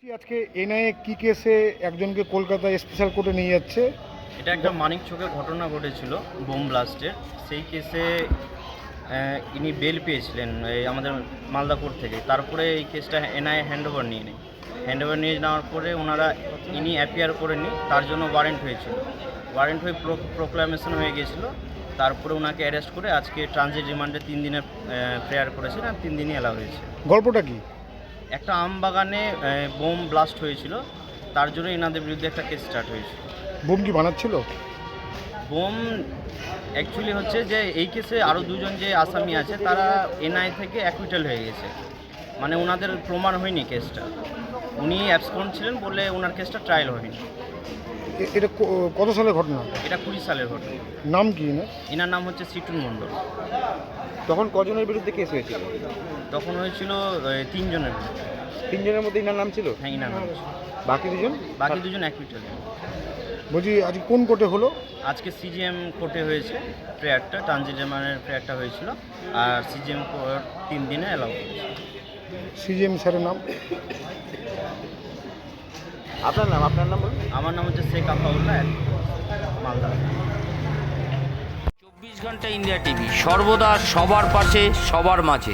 আজকে এনআইএ কি কেসে একজনকে কলকাতা স্পেশাল কোর্টে নিয়ে যাচ্ছে? এটা একটা মানিকচকের ঘটনা ঘটেছিল, বোম ব্লাস্টের। সেই কেসে ইনি বেল পেয়েছিলেন আমাদের মালদা কোর্ট থেকে। তারপরে এই কেসটা এনআইএ হ্যান্ডওভার নিয়ে নেয়। হ্যান্ডওভার নিয়ে নেওয়ার পরে ইনি অ্যাপিয়ার করেনি, তার জন্য ওয়ারেন্ট হয়েছিল। ওয়ারেন্ট হয়ে প্রোক্লামেশন হয়ে গিয়েছিল। তারপরে ওনাকে অ্যারেস্ট করে আজকে ট্রানজিট রিমান্ডে 3 দিনের প্রেয়ার করেছেন আর 3 দিনই অ্যালাউ হয়েছে। গল্পটা কি? একটা আম বাগানে বোম ব্লাস্ট হয়েছিল, তার জন্য এনাদের বিরুদ্ধে একটা কেস স্টার্ট হয়েছিল। বোম কি বানাচ্ছিল? বোম অ্যাকচুয়ালি হচ্ছে যে এই কেসে আরও দুজন যে আসামি আছে তারা এনআই থেকে অ্যাকুইটাল হয়ে গেছে, মানে ওনাদের প্রমাণ হয়নি কেসটা। উনি অ্যাবসকন্ড ছিলেন বলে ওনার কেসটা ট্রায়াল হয়নি। এটা কত সালের ঘটনা? এটা 20 সালের ঘটনা। নাম কি না? এনার নাম হচ্ছে সিটুন মণ্ডল। তখন কজনের বিরুদ্ধে কেস হয়েছিল? তখন হয়েছিল 3 জনের বিরুদ্ধে। 3 জনের মধ্যে ইনার নাম ছিল? হ্যাঁ, এনার নাম ছিল। বাকি দুজন দুজন অ্যাকুইটাল। বলছি আজকে কোন কোর্টে হলো? আজকে সিজিএম কোর্টে হয়েছে প্রেয়ারটা, ট্রানজিট রিমান্ডের প্রেয়ারটা হয়েছিল। আর সিজিএম কোর্ট 3 দিনে অ্যালাউ করেছে। সিজিএম স্যারের নাম? আপনার নাম বলুন। আমার নাম হচ্ছে শেখ আফাউল্লাহ, মালদা। 24 ঘন্টা ইন্ডিয়া টিভি, সর্বদা সবার পাশে, সবার মাঝে।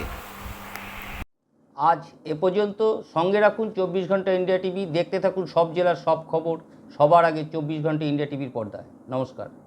আজ এ পর্যন্ত। সঙ্গে রাখুন 24 ঘন্টা ইন্ডিয়া টিভি। দেখতে থাকুন সব জেলার সব খবর সবার আগে 24 ঘন্টা ইন্ডিয়া টিভির পর্দায়। নমস্কার।